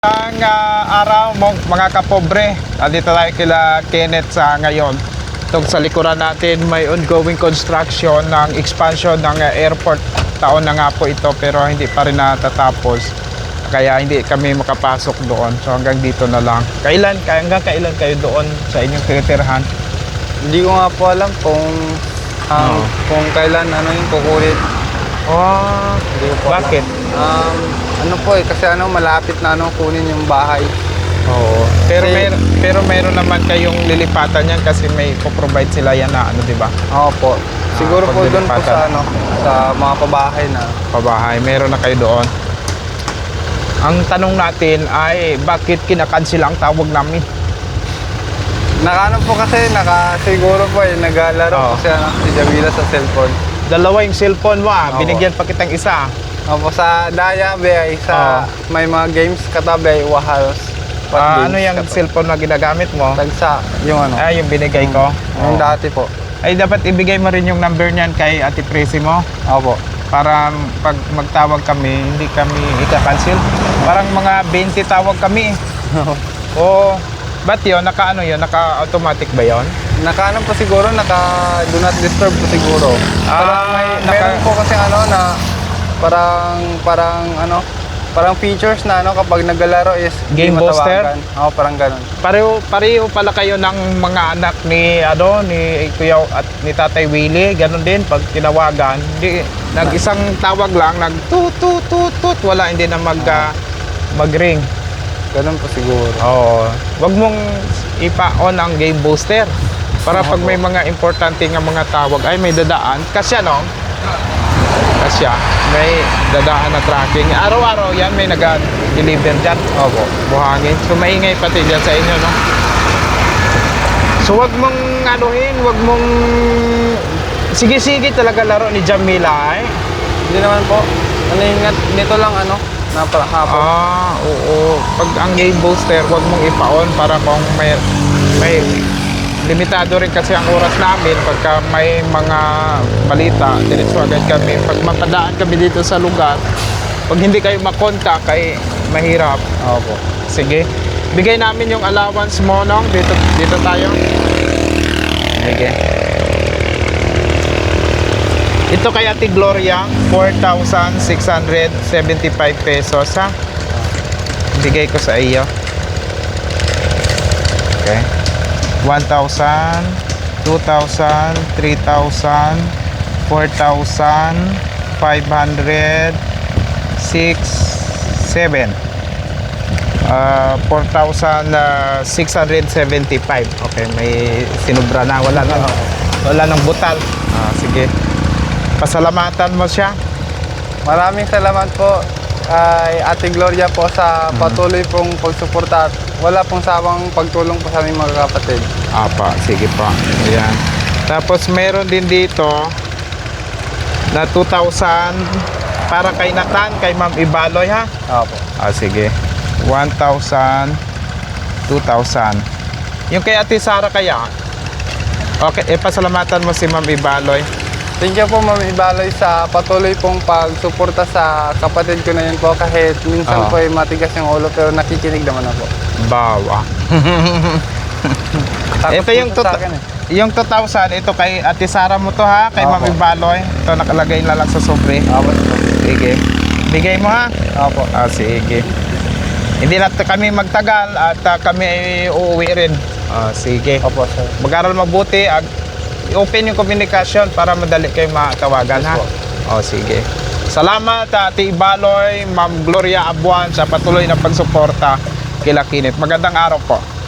Araw mga kapobre, dito tayo kila Kenneth sa ngayon. Itong sa likuran natin may ongoing construction ng expansion ng airport. Taon na nga po ito pero hindi pa rin natatapos, kaya hindi kami makapasok doon. So hanggang dito na lang. Hanggang kailan kayo doon sa inyong tinitirhan? Hindi ko nga po alam kung kailan yung kukulit. Hindi ko po alam. Bakit? Kasi malapit na kunin yung bahay. Oo. Pero meron naman kayong lilipatan yan kasi may po-provide sila yan na di ba? Opo. Siguro po doon po sa sa mga pabahay na. Pabahay, meron na kayo doon. Ang tanong natin ay bakit kinakansel ang tawag namin? Po kasi siguro po naglalaro po si Jamila sa cellphone. Dalawa yung cellphone mo binigyan pa kitang isa. Opo, sa Daya ay may mga games katabi halos. Ano yung cellphone na ginagamit mo? Tagsa, yung yung binigay ko. Yung dati po. Ay dapat ibigay mo rin yung number niyan kay Ate Presi mo. Opo. Para pag magtawag kami, hindi kami ika-cancel. Parang mga 20 tawag kami. Oo. Ba't yun? Naka-automatic ba yun? Po siguro, do not disturb po siguro. Meron po kasi na parang features na kapag naglalaro is game booster. Parang ganun. Pareho pala kayo ng mga anak ni Kuya at ni Tatay Willie, ganun din pag tinawagan. Hindi nag-isang tawag lang, tut wala, hindi na mag-ring. Ganun po siguro. Oo. Wag mong ipa-on ang game booster para pag may mga importante nga mga tawag ay may dadaan kasi may dadaan na tracking. Araw-araw yan may nag-deliver dyan. Opo. Buhangin. So maingay pati dyan sa inyo, no? So wag mong wag mong sige talaga laro ni Jamila Hindi naman po. Nito lang napakahapon. Oo. Pag ang game booster, wag mong ipa-on para kung may limitado rin kasi ang oras namin pagka may mga balita, diretso agad kami. Pag mapadaan kami dito sa lugar, pag hindi kayo makontak ay mahirap. Opo. Sige. Bigay namin yung allowance mo, no? Dito tayo. Sige. Ito kay Ate Gloria, 4,675 pesos, ha? Bigay ko sa iyo. Okay. 1,000, 2,000, 3,000, 4,000, 500, 6, 7. 4,675. Okay, may sinubra na. Wala nang butal. Sige. Pasalamatan mo siya. Maraming salamat po kay Ate Gloria po sa patuloy pong pagsuporta at wala pong sawang pagtulong po sa aming mga kapatid. Sige pa. Ayan. Tapos meron din dito na 2,000 para kay Nathan, kay Ma'am Ibaloy, ha? Opo. Sige. 1,000, 2,000. Yung kay Ate Sara kaya? Okay, pasalamatan mo si Ma'am Ibaloy. Thank you po Ma'am Ibaloy sa patuloy pong pagsuporta sa kapatid ko na yun po kahit minsan po matigas yung ulo pero nakikinig naman ako. Bawa. Ito yung 2,000, ito kay Ate Sara mo to, ha? Kay Ma'am Ibaloy. Ito nakalagay na lang sa sobre. Sige. Bigay mo, ha? Opo. Sige. Hindi na kami magtagal at kami ay uuwi rin. Sige. Opo, sir. Mag-aral mabuti at open yung communication para madali kayo matawagan, ha? Sige. Salamat Ate Ibaloy, Ma'am Gloria Abuan sa patuloy na pagsuporta kila Kenneth. Magandang araw po.